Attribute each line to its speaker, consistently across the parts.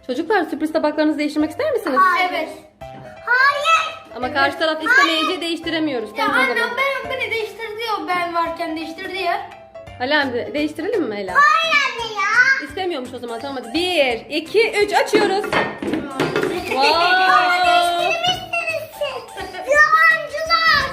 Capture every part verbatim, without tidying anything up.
Speaker 1: Çocuklar sürpriz tabaklarınızı değiştirmek ister misiniz?
Speaker 2: Hayır. Evet. Hayır.
Speaker 1: Ama karşı taraf istemeyince değiştiremiyoruz.
Speaker 2: Ya
Speaker 1: Tamam o
Speaker 2: annem
Speaker 1: zaman.
Speaker 2: ben beni değiştirdi ya, ben varken değiştirdi ya.
Speaker 1: Ali amca değiştirelim mi Ela?
Speaker 2: Hayır anne ya.
Speaker 1: İstemiyormuş o zaman, tamam hadi. Bir, iki, üç açıyoruz. Wow.
Speaker 2: Yalancılar.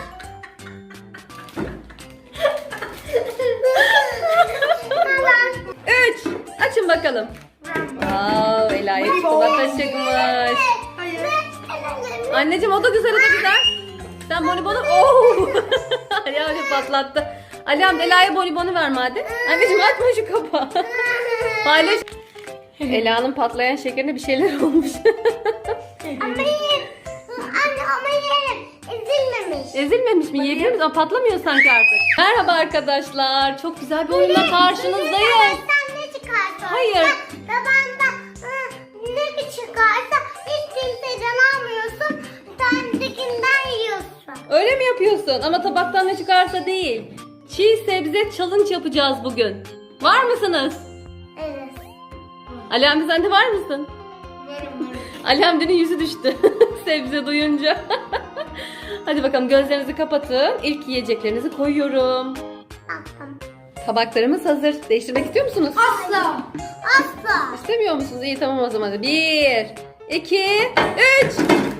Speaker 1: Üç. Açın bakalım. Wow, Ela'ya çikolata çıkmış.
Speaker 2: Hayır.
Speaker 1: Anneciğim o da güzel, o da güzel. Sen bonibonu... Oh! Ali amca patlattı. Ali amca Ela'ya bonibonu ver hadi. Anneciğim açma şu kapağı. Paylaş. Ela'nın patlayan şekerine bir şeyler olmuş.
Speaker 2: Ama yerim. Anne ama yerim. Ezilmemiş.
Speaker 1: Ezilmemiş mi? Yiyebilir miyiz? Ama patlamıyor sanki artık. Merhaba arkadaşlar. Çok güzel bir oyunla karşınızdayız.
Speaker 2: Sen ne çıkarsa.
Speaker 1: Hayır.
Speaker 2: Babanda ne çıkarsa hiç kimseden almıyorsun. Sendekinden yiyorsun.
Speaker 1: Öyle mi yapıyorsun? Ama tabaktan ne çıkarsa değil. Çiğ sebze challenge yapacağız bugün. Var mısınız?
Speaker 2: Evet.
Speaker 1: Ali amca sen de var mısın?
Speaker 2: Varım varım.
Speaker 1: Ali amcanın yüzü düştü. Sebze duyunca. Hadi bakalım gözlerinizi kapatın. İlk yiyeceklerinizi koyuyorum.
Speaker 2: Tamam.
Speaker 1: Tabaklarımız hazır. Değiştirmek istiyor musunuz?
Speaker 2: Asla. Asla.
Speaker 1: İstemiyor musunuz? İyi tamam o zaman. Hadi. Bir, iki, üç.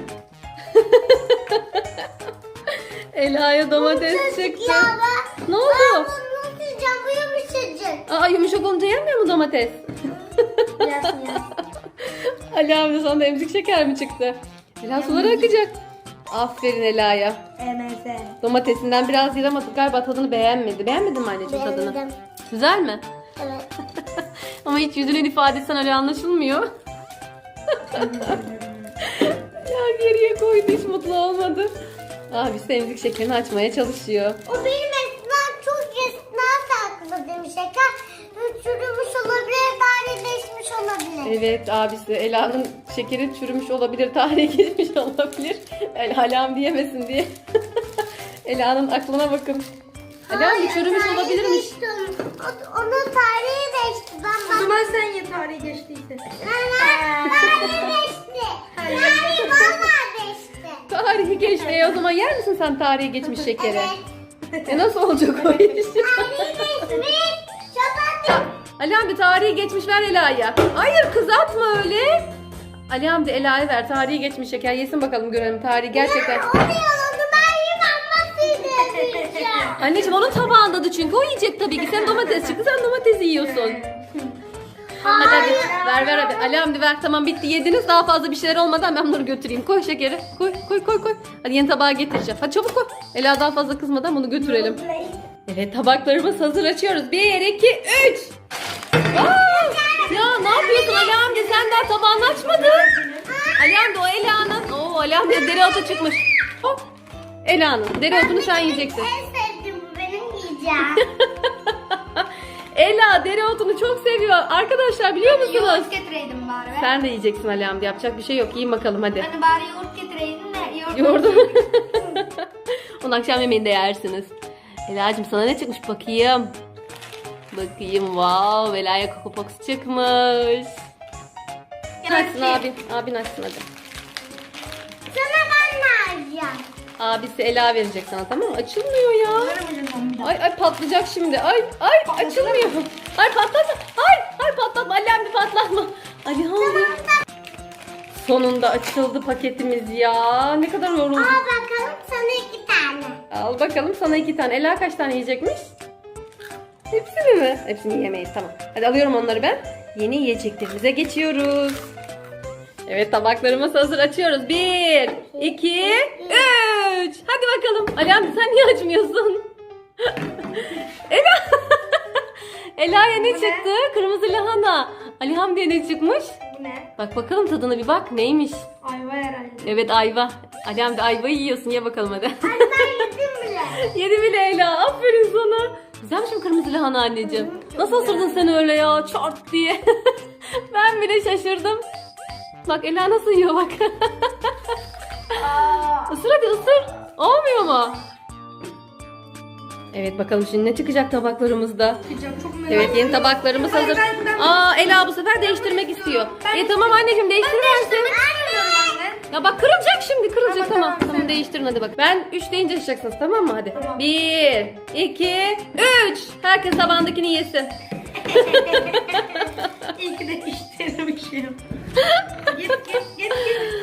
Speaker 1: Ela'ya domates çıktı.
Speaker 2: Ya ben,
Speaker 1: Ne oldu?
Speaker 2: ben bunu nasıl yiyeceğim? Bu yumuşacık.
Speaker 1: Aa, yumuşak olunca yenmiyor mu domates?
Speaker 2: Yersin yersin.
Speaker 1: Ali amca sana da emzik şeker mi çıktı? Ela suları akacak. Aferin Ela'ya.
Speaker 2: Emeze.
Speaker 1: Domatesinden biraz yılamadı. Galiba tadını beğenmedi. Beğenmedin mi anneciğim tadını?
Speaker 2: Beğendim.
Speaker 1: Güzel mi?
Speaker 2: Evet.
Speaker 1: Ama hiç yüzünün ifadesinden öyle anlaşılmıyor. Ya geriye koydu, hiç mutlu olmadı. Abisi de emzik şekerini açmaya çalışıyor.
Speaker 2: O benim esnaf çok esnaf sakladım şeker. Çürümüş olabilir, tarihleşmiş olabilir.
Speaker 1: Evet abisi Ela'nın şekeri çürümüş olabilir, tarihi geçmiş olabilir. Ela alam diyemesin diye. Ela'nın aklına bakın. Ela bir çürümüş
Speaker 2: tarihi
Speaker 1: olabilirmiş.
Speaker 2: geçti onun. O- Onun tarihi geçti. Ben
Speaker 3: O zaman sen ye tarihi geçtiyse.
Speaker 2: Tarihi geçti. Tarihi valla geçti.
Speaker 1: Tarihi geçti. E, o zaman yer misin sen tarihi geçmiş şekeri?
Speaker 2: Evet.
Speaker 1: E nasıl olacak o iş?
Speaker 2: Tarihi geçmiş. Şabat.
Speaker 1: Ali amca tarihi geçmiş ver Ela'ya. Hayır kız atma öyle. Ali amca Ela'ya ver, tarihi geçmiş şeker yesin bakalım, görelim tarihi gerçekten.
Speaker 2: Onu yaladı. Ben yemem. Nasıl yiyeceğim?
Speaker 1: Anneciğim onun tabağındadı çünkü, o yiyecek tabii ki. Sen domates çıktı, sen domatesi yiyorsun. Hadi hadi ver ver hadi. Ali amca ver, tamam bitti, yediniz, daha fazla bir şeyler olmadan ben bunları götüreyim. Koy şekeri, koy koy koy koy. Hadi yeni tabağa getireceğim. Hadi çabuk koy. Ela daha fazla kızmadan bunu götürelim. Evet tabaklarımız hazır, açıyoruz. Bir, iki, üç. Aa! Ya ne yapıyorsun Ali amca, sen daha tabağını açmadın. Ali amca o Ela'nın. Oo Ali amca dereotu çıkmış. Hop. Ela'nın dereotunu sen yiyeceksin.
Speaker 2: En sevdiğim bu benim yiyeceğim.
Speaker 1: Ela dereotunu çok seviyor. Arkadaşlar biliyor musunuz?
Speaker 3: Yoğurt getireydim bari. Ben.
Speaker 1: Sen de yiyeceksin Ali amca, yapacak bir şey yok. Yiyin bakalım hadi.
Speaker 3: Hani bari yoğurt getireydim de yoğurt.
Speaker 1: Yoğurdu. Onu akşam yemeğinde yersiniz. Ela'cığım sana ne çıkmış bakayım. Bakayım, wow, Ela'ya Coco Pox çıkmış. Açsın abin, abin açsın hadi.
Speaker 2: Sana ben ne alacağım?
Speaker 1: Abisi Ela verecek sana, tamam mı? Açılmıyor ya.
Speaker 3: Vermeyeceğim onu bir daha.
Speaker 1: Ay ay patlayacak şimdi. Ay ay açılmıyor. Ay patlatma. Ay ay patlatma. Ali amca patlatma. Ali amca. Sonunda açıldı paketimiz ya. Ne kadar yorulduk.
Speaker 2: Al bakalım sana iki tane.
Speaker 1: Al bakalım sana iki tane. Ela kaç tane yiyecekmiş? Hepsini mi? Hepsini yiyemeyiz, tamam. Hadi alıyorum onları ben. Yeni yiyeceklerimize geçiyoruz. Evet tabaklarımız hazır, açıyoruz. Bir, iki, üç. Hadi bakalım. Ali amca sen niye açmıyorsun? Ela. Ela'ya ne çıktı? Kırmızı lahana. Ali Hamdi'ye ne çıkmış?
Speaker 3: Bu ne?
Speaker 1: Bak bakalım tadına bir bak. Neymiş?
Speaker 3: Ayva herhalde.
Speaker 1: Evet ayva. Ali Hamdi ayvayı yiyorsun. Ye bakalım hadi.
Speaker 2: Anne ben yedim bile.
Speaker 1: Yedi bile Ela. Aferin sana. Güzelmiş mi kırmızı lahana anneciğim? Nasıl ısırdın sen öyle ya? Çart diye. Ben bile şaşırdım. Bak Ela nasıl yiyor bak.
Speaker 3: Aa.
Speaker 1: Isır hadi ısır. Olmuyor mu? Evet bakalım şimdi ne çıkacak tabaklarımızda.
Speaker 3: Çıkacak, çok merak
Speaker 1: Evet yeni
Speaker 3: ediyorum.
Speaker 1: tabaklarımız
Speaker 3: Hayır,
Speaker 1: hazır.
Speaker 3: ben- ben-
Speaker 1: Aa Ela bu sefer değiştirmek istiyor.
Speaker 3: Ben-
Speaker 1: E tamam anneciğim değiştiriversin.
Speaker 3: Anne.
Speaker 1: Ya bak kırılacak şimdi kırılacak
Speaker 3: Tamam,
Speaker 1: tamam.
Speaker 3: tamam,
Speaker 1: Tamam
Speaker 3: sen-
Speaker 1: değiştirin hadi bak. Ben üç deyince açacaksınız tamam mı hadi.
Speaker 3: Tamam.
Speaker 1: bir, iki, üç. Herkes tabağındakini yesin.
Speaker 3: İyi ki de değiştirmişim. Git git git git.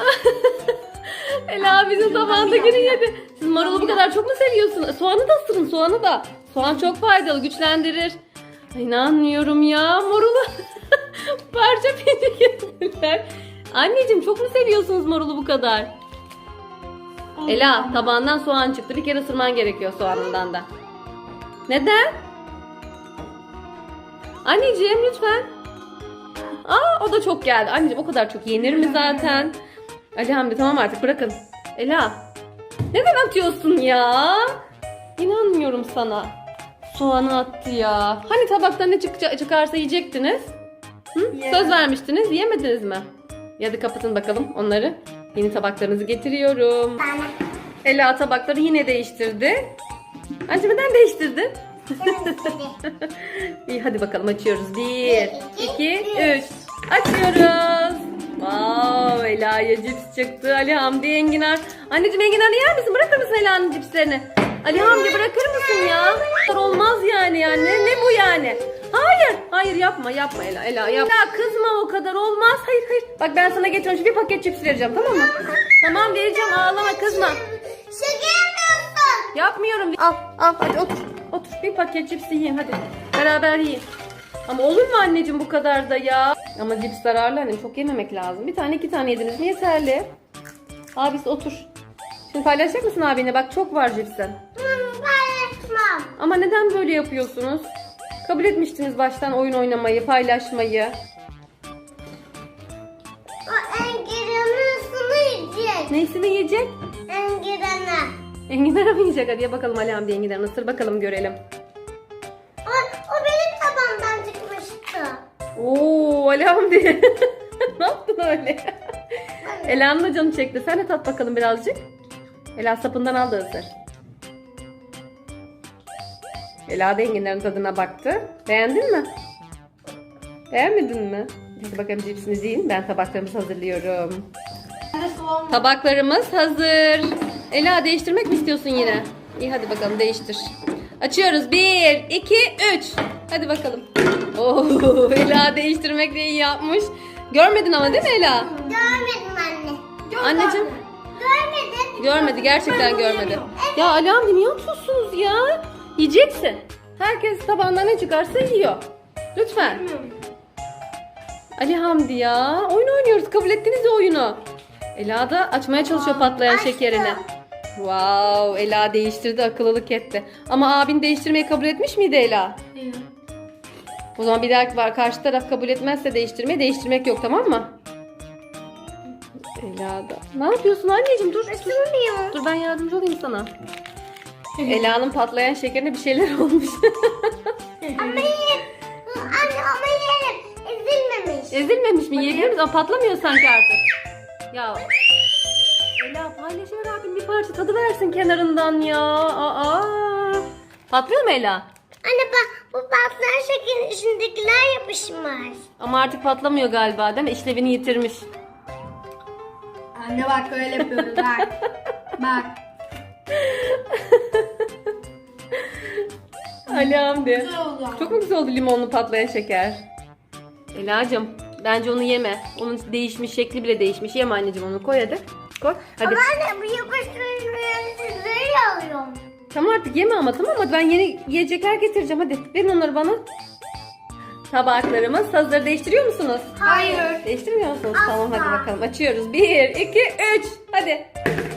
Speaker 1: Ela bizim tabağındakini yedi. Siz marulu bu kadar çok mu seviyorsunuz? Soğanı da ısırın soğanı da. Soğan çok faydalı güçlendirir. Ay, İnanmıyorum ya marulu. Parça pince yediler. Anneciğim çok mu seviyorsunuz marulu bu kadar? Ela tabağından soğan çıktı. Bir kere ısırman gerekiyor soğanından da. Neden? Anneciğim lütfen. Aa o da çok geldi. Anneciğim o kadar çok yenir mi zaten? Ali Hamdi tamam artık bırakın. Ela. Neden atıyorsun ya? İnanmıyorum sana. Soğanı attı ya. Hani tabaktan ne çıkca- çıkarsa yiyecektiniz? Hı?
Speaker 3: Yemem.
Speaker 1: Söz vermiştiniz. Yemediniz mi? Ya da kapatın bakalım onları. Yeni tabaklarınızı getiriyorum.
Speaker 2: Bana.
Speaker 1: Ela tabakları yine değiştirdi. Anneciğim neden değiştirdin? İyi hadi bakalım açıyoruz. Bir, iki, üç. Açıyoruz. Wow, Ela'ya cips çıktı. Ali Hamdi enginar. Anneciğim enginarı yer misin? Bırakır mısın Ela'nın cipslerini? Ali Hamdi bırakır mısın ya? Olmaz yani yani. Ne bu yani? Hayır. Hayır yapma yapma Ela. Ela yapma. Ela kızma o kadar olmaz. Hayır hayır. Bak ben sana getiriyorum. Bir paket cips vereceğim tamam mı? Tamam vereceğim ağlama kızma.
Speaker 2: Şaka yapıyorsun.
Speaker 1: Yapmıyorum. Al al hadi otur. Otur bir paket cipsi yiyin hadi. Beraber yiyin. Ama olur mu anneciğim bu kadar da ya? Ama cips zararlı annem çok yememek lazım. Bir tane iki tane yediniz mi yeterli. Abisi otur. Şimdi paylaşacak mısın abine? Bak çok var cipsen.
Speaker 2: Hı, paylaşmam.
Speaker 1: Ama neden böyle yapıyorsunuz? Kabul etmiştiniz baştan oyun oynamayı, paylaşmayı.
Speaker 2: O engiranısını yiyecek.
Speaker 1: Neyisini yiyecek?
Speaker 2: Engiranı.
Speaker 1: Enginar'a mı yiyecek? Hadi ye bakalım Ali Hamdi enginar'ını ısır bakalım görelim.
Speaker 2: O, o benim tabağımdan çıkmıştı.
Speaker 1: Oo Ali Hamdi. Ne yaptın öyle? Ela'nın da canı çekti. Sen de tat bakalım birazcık. Ela sapından al da ısır. Ela da enginlerin tadına baktı. Beğendin mi? Beğenmedin mi? Hadi bakalım cipsinizi yiyin. Ben tabaklarımızı hazırlıyorum.
Speaker 3: Ben de soğan var.
Speaker 1: Tabaklarımız hazır. Ela değiştirmek mi istiyorsun yine? İyi hadi bakalım değiştir. Açıyoruz. Bir, iki, üç. Hadi bakalım. Oo, Ela değiştirmek de iyi yapmış. Görmedin ama değil mi Ela?
Speaker 2: Görmedim anne.
Speaker 3: Yok
Speaker 1: Anneciğim.
Speaker 3: anne.
Speaker 2: Görmedim.
Speaker 1: Görmedi gerçekten görmedi. Ya Ali Hamdi niye atıyorsunuz ya? Yiyeceksin. Herkes tabağından ne çıkarsa yiyor. Lütfen.
Speaker 3: Bilmiyorum.
Speaker 1: Ali Hamdi ya. Oyun oynuyoruz. Kabul ettiniz ya oyunu. Ela da açmaya çalışıyor patlayan
Speaker 2: açtım.
Speaker 1: şekerini. Wow, Ela değiştirdi, akıllılık etti. Ama abin değiştirmeyi kabul etmiş miydi Ela?
Speaker 3: İyi.
Speaker 1: O zaman bir dahaki var. Karşı taraf kabul etmezse değiştirmeyi değiştirmek yok tamam mı? Ela da. Ne yapıyorsun anneciğim? Dur. Dur, dur ben yardımcı olayım sana. Ela'nın patlayan şekerine bir şeyler olmuş.
Speaker 2: Ama yerim. Anne ama yerim. Ezilmemiş.
Speaker 1: Ezilmemiş mi? Yiyebilir misin? Ama patlamıyor sanki artık. Ya. Ela paylaşıyor abim bir parça tadı versin kenarından ya. Aa. Patlıyor mu Ela?
Speaker 2: Anne bak bu patlayan şekerin içindekiler yapışmış.
Speaker 1: Ama artık patlamıyor galiba değil mi? İşlevini yitirmiş.
Speaker 3: Anne bak öyle yapıyoruz bak. Bak.
Speaker 1: Ali Hamdi.
Speaker 3: Güzel oldu.
Speaker 1: Çok mu güzel oldu limonlu patlayan şeker? Ela'cığım bence onu yeme. Onun değişmiş şekli bile değişmiş. Yeme anneciğim onu koy hadi. Koy. Hadi.
Speaker 2: Ama anne bu yapıştırıcıları sizleri alıyorum.
Speaker 1: Tamam artık yeme ama tamam hadi ben yeni yiyecekler getireceğim hadi. Verin onları bana. Tabaklarımız hazır. Değiştiriyor musunuz?
Speaker 3: Hayır.
Speaker 1: Değiştirmiyor musunuz?
Speaker 2: Asla.
Speaker 1: Tamam hadi bakalım. Açıyoruz. Bir, iki, üç. Hadi.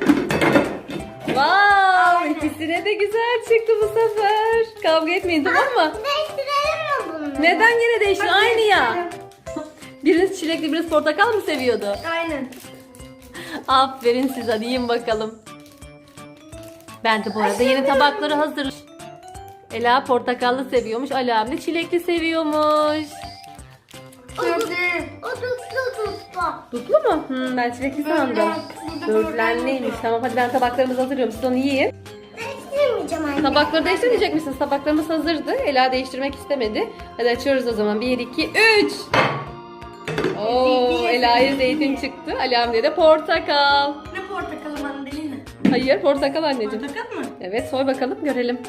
Speaker 1: Wow, ikisine de güzel çıktı bu sefer. Kavga etmeyin tamam mı?
Speaker 2: Değiştirelim mi bunu?
Speaker 1: Neden yine değişti?
Speaker 3: Hadi
Speaker 1: Aynı ya.
Speaker 3: değiştirelim.
Speaker 1: Biriniz çilekli, biriniz portakal mı seviyordu?
Speaker 3: Aynen.
Speaker 1: Aferin size. Hadi yiyin bakalım. Ben de bu arada yeni tabakları hazır. Ela portakallı seviyormuş. Ali abi de çilekli seviyormuş.
Speaker 3: Köfte.
Speaker 2: O tuttu tuttu.
Speaker 1: Dutlu mu? Hmm, ben çilekli sandım.
Speaker 3: Burada
Speaker 1: Böğürtlenliymiş. Tamam hadi ben tabaklarımızı hazırlıyorum. Siz onu yiyin.
Speaker 2: Değiştirmeyeceğim anne.
Speaker 1: Tabakları değiştirmeyecek misiniz? Tabaklarımız hazırdı. Ela değiştirmek istemedi. Hadi açıyoruz o zaman. bir, iki, üç. Oo, Ela'ya zeytin çıktı. Ali Hamdi'ye de portakal.
Speaker 3: Ne portakalı mandalina?
Speaker 1: Hayır, portakal anneciğim.
Speaker 3: Portakal mı?
Speaker 1: Evet, soy bakalım görelim.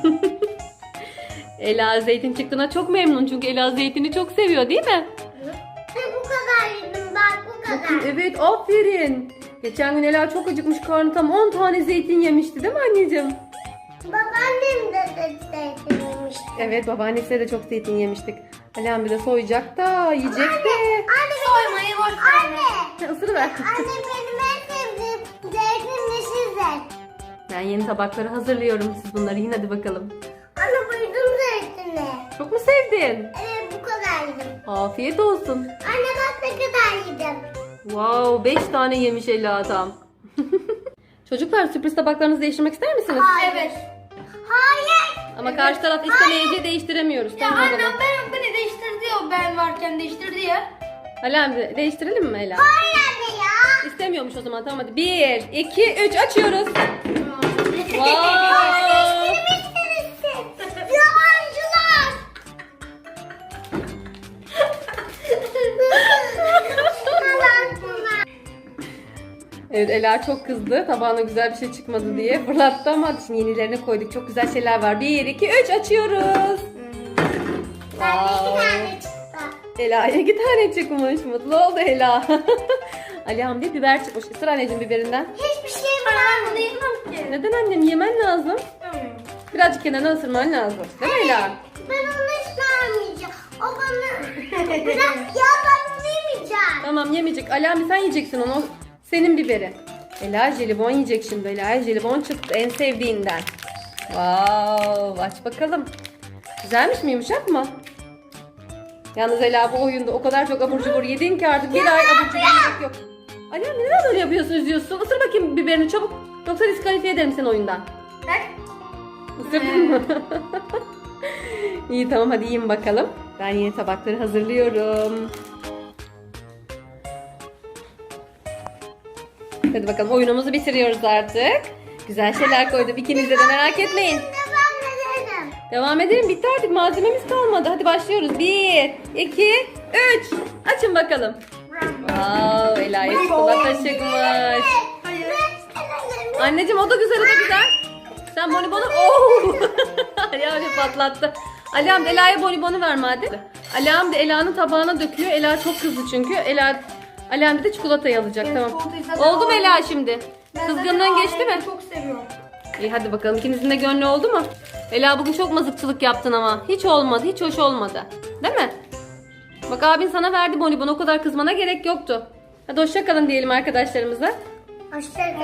Speaker 1: Ela zeytin çıktığına çok memnun çünkü Ela zeytini çok seviyor değil mi?
Speaker 2: Ve bu kadar yedim bak bu kadar.
Speaker 1: Evet, aferin. Geçen gün Ela çok acıkmış, karnı tam on tane zeytin yemişti değil mi anneciğim?
Speaker 2: Babaannem de de zeytin yemişti.
Speaker 1: Evet, babaannesiyle de çok zeytin yemiştik. Ali Hamdi de soyacak da yiyecek de.
Speaker 2: Anne
Speaker 3: Soymayı boş ver.
Speaker 2: Anne.
Speaker 1: Isırıver.
Speaker 2: Anne benim en sevdiğim zeytin yeşil zeytin.
Speaker 1: Ben yeni tabakları hazırlıyorum. Siz bunları yiyin hadi bakalım.
Speaker 2: Anne bayıldım zeytine.
Speaker 1: Çok mu sevdin?
Speaker 2: Evet bu kadar yedim.
Speaker 1: Afiyet olsun.
Speaker 2: Anne bak ne kadar yedim.
Speaker 1: Wow, beş tane yemiş Ela tam. Çocuklar, sürpriz tabaklarınızı değiştirmek ister misiniz?
Speaker 3: Evet.
Speaker 2: Hayır.
Speaker 1: Ama karşı taraf istemeyince değiştiremiyoruz.
Speaker 3: Ya
Speaker 1: Tamam o
Speaker 3: annem
Speaker 1: zaman.
Speaker 3: ben beni değiştirdi ya, ben varken değiştirdi ya.
Speaker 1: Ali Hamdi, değiştirelim mi Ela?
Speaker 2: Hayır anne ya.
Speaker 1: İstemiyormuş o zaman. Tamam hadi. Bir, iki, üç açıyoruz. Wow.
Speaker 2: Değiştirmişsin. Yabancılar.
Speaker 1: Evet, Ela çok kızdı. Tabağına güzel bir şey çıkmadı diye fırlattı ama şimdi yenilerine koyduk. Çok güzel şeyler var. Bir, iki, üç açıyoruz.
Speaker 2: Ben de iki
Speaker 1: Wow.
Speaker 2: tane çıktı.
Speaker 1: Ela'ya iki tane çıkmış. Mutlu oldu Ela. Ali Hamdi biber çıkmış. Isır anneciğim biberinden.
Speaker 2: Hiçbir şey
Speaker 3: Ben
Speaker 2: bırakmadım.
Speaker 3: bunu yemem ki.
Speaker 1: Neden annem? Yemen lazım. Birazcık kenarına ısırman lazım. Değil mi Ela?
Speaker 2: Ben onu hiç vermeyeceğim. O bana bırak ya ben bunu yemeyeceğim.
Speaker 1: Tamam, yemeyecek. Ali Hamdi sen yiyeceksin onu. O senin biberi. Ela jelibon yiyecek şimdi. Ela jelibon çıktı en sevdiğinden. Wow, aç bakalım. Güzelmiş mi, yumuşak mı? Yalnız Ela bu oyunda o kadar çok abur cubur yedin ki artık bir ay abur cubur yemek yok. Ali Hamdi neden böyle yapıyorsun, üzüyorsun? Isır bakayım biberini çabuk. Yoksa diskalifiye ederim seni oyundan.
Speaker 3: Bak.
Speaker 1: Isırdın mı? İyi tamam, hadi yiyin bakalım. Ben yeni tabakları hazırlıyorum. Hadi bakalım, oyunumuzu bitiriyoruz artık. Güzel şeyler koydum ikinize de, merak etmeyin.
Speaker 2: Devam edelim.
Speaker 1: Devam edelim, bitti artık, malzememiz kalmadı. Hadi başlıyoruz. Bir, iki, üç. Açın bakalım. Wow, Ela'ya çikolata çıkmış.
Speaker 3: Hayır.
Speaker 1: Anneciğim o da güzel, o da güzel. Sen bonibonu... Oh! Ali Hamdi patlattı. Ali Hamdi Ela'ya bonibonu ver madem. Ali Hamdi Ela'nın tabağına döküyor. Ela çok kızdı çünkü. Ela Ali Hamdi de çikolatayı alacak.
Speaker 3: Ben
Speaker 1: Tamam.
Speaker 3: çikolatayı zaten
Speaker 1: Oldu mu Ela
Speaker 3: aldım.
Speaker 1: şimdi?
Speaker 3: Ben
Speaker 1: Kızgınlığın
Speaker 3: zaten
Speaker 1: geçti mi?
Speaker 3: ailemi çok seviyorum.
Speaker 1: İyi hadi bakalım, ikinizin de gönlü oldu mu? Ela bugün çok mazıkçılık yaptın ama. Hiç olmadı, hiç hoş olmadı. Değil mi? Bak abin sana verdi bonibonu, o kadar kızmana gerek yoktu. Hadi hoşça kalın diyelim arkadaşlarımıza.
Speaker 2: Hoşçakalın.